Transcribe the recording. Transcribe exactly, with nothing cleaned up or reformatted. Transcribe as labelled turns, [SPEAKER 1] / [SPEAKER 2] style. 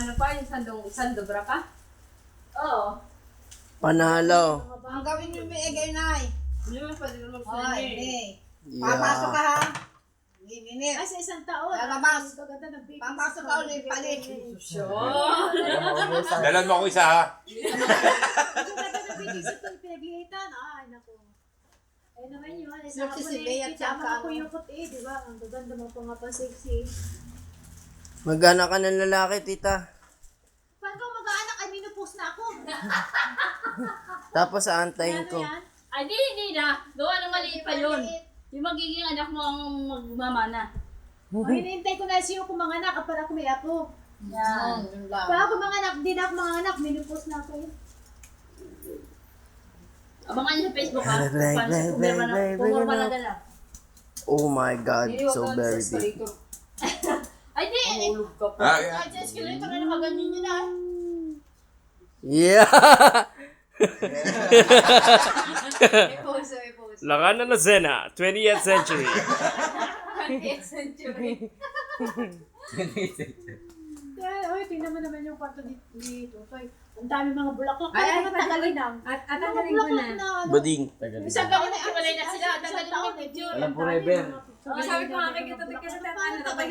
[SPEAKER 1] ano pa, yung sandong, sandobra pa? Oo.
[SPEAKER 2] Panalo.
[SPEAKER 3] Ang gawin niyo may egay nay.
[SPEAKER 1] Hindi mo pwede naman
[SPEAKER 3] Ay,
[SPEAKER 1] sa
[SPEAKER 3] hindi. Papasok ka
[SPEAKER 2] Yeah.
[SPEAKER 3] ha. Minit.
[SPEAKER 4] Ay, sa isang taon.
[SPEAKER 3] Lalabas.
[SPEAKER 4] Gaganda ng baby.
[SPEAKER 3] Papasok ka ulit, palit.
[SPEAKER 5] Dalan mo ako isa ha.
[SPEAKER 4] Gaganda ng baby sa ito. Pinaglihitan. Ay, naku. Ayun naman yun. Ay, sa
[SPEAKER 3] Sexy
[SPEAKER 4] hapon
[SPEAKER 3] si Bea
[SPEAKER 4] eh.
[SPEAKER 3] at
[SPEAKER 4] Kita
[SPEAKER 3] saka
[SPEAKER 4] mga
[SPEAKER 3] ano.
[SPEAKER 4] kuyukot eh. Di ba? Ang gaganda mo pa nga pa sexy.
[SPEAKER 2] Magana ka ng lalaki, tita.
[SPEAKER 4] Paano ka mag-aanak? Ay, minupos na ako.
[SPEAKER 2] Tapos aantayin
[SPEAKER 4] Ano
[SPEAKER 2] ko.
[SPEAKER 4] yan?
[SPEAKER 1] Ay, di, hindi na. Gawa ng maliit pa yun. Yung magiging anak mo ang magmamana.
[SPEAKER 4] O, hinihintay ko na siyo kung mga anak. Para ako may apo.
[SPEAKER 1] Yan.
[SPEAKER 3] Yun lang.
[SPEAKER 4] Para ako mga anak. Di na ako mga anak. Minupos na ako eh.
[SPEAKER 1] Abangan niyo sa Facebook ha.
[SPEAKER 2] Bye, bye,
[SPEAKER 1] Paano sa
[SPEAKER 2] bye,
[SPEAKER 1] kumirma
[SPEAKER 2] bye,
[SPEAKER 1] na,
[SPEAKER 2] bye,
[SPEAKER 1] kumurma
[SPEAKER 2] bye,
[SPEAKER 1] na
[SPEAKER 2] bye.
[SPEAKER 1] dala.
[SPEAKER 2] Oh my God, so very big.
[SPEAKER 1] Ay, di. Eh,
[SPEAKER 5] Ah,
[SPEAKER 1] ay, sa escalator na nakaganyan yun ah.
[SPEAKER 2] Yeah!
[SPEAKER 1] May pose, may pose.
[SPEAKER 2] Lakana na Zena, twentieth century.
[SPEAKER 1] twentieth century.
[SPEAKER 4] Kaya, oy, tingnan mo naman yung kwarto dito. dito. Ay, ang dami mga bulaklak.
[SPEAKER 1] Ay, ay,
[SPEAKER 4] mga tagalin lang.
[SPEAKER 1] At, at
[SPEAKER 4] Mga
[SPEAKER 1] ang galing ko
[SPEAKER 4] bulaklak
[SPEAKER 1] na.
[SPEAKER 4] na ano.
[SPEAKER 2] Bading.
[SPEAKER 1] Isang taon na iwalay na sila. Tagalin mo yung picture.
[SPEAKER 4] Alam forever.
[SPEAKER 1] Oh, sabi ko nga kay Kito, tignan sa tatay.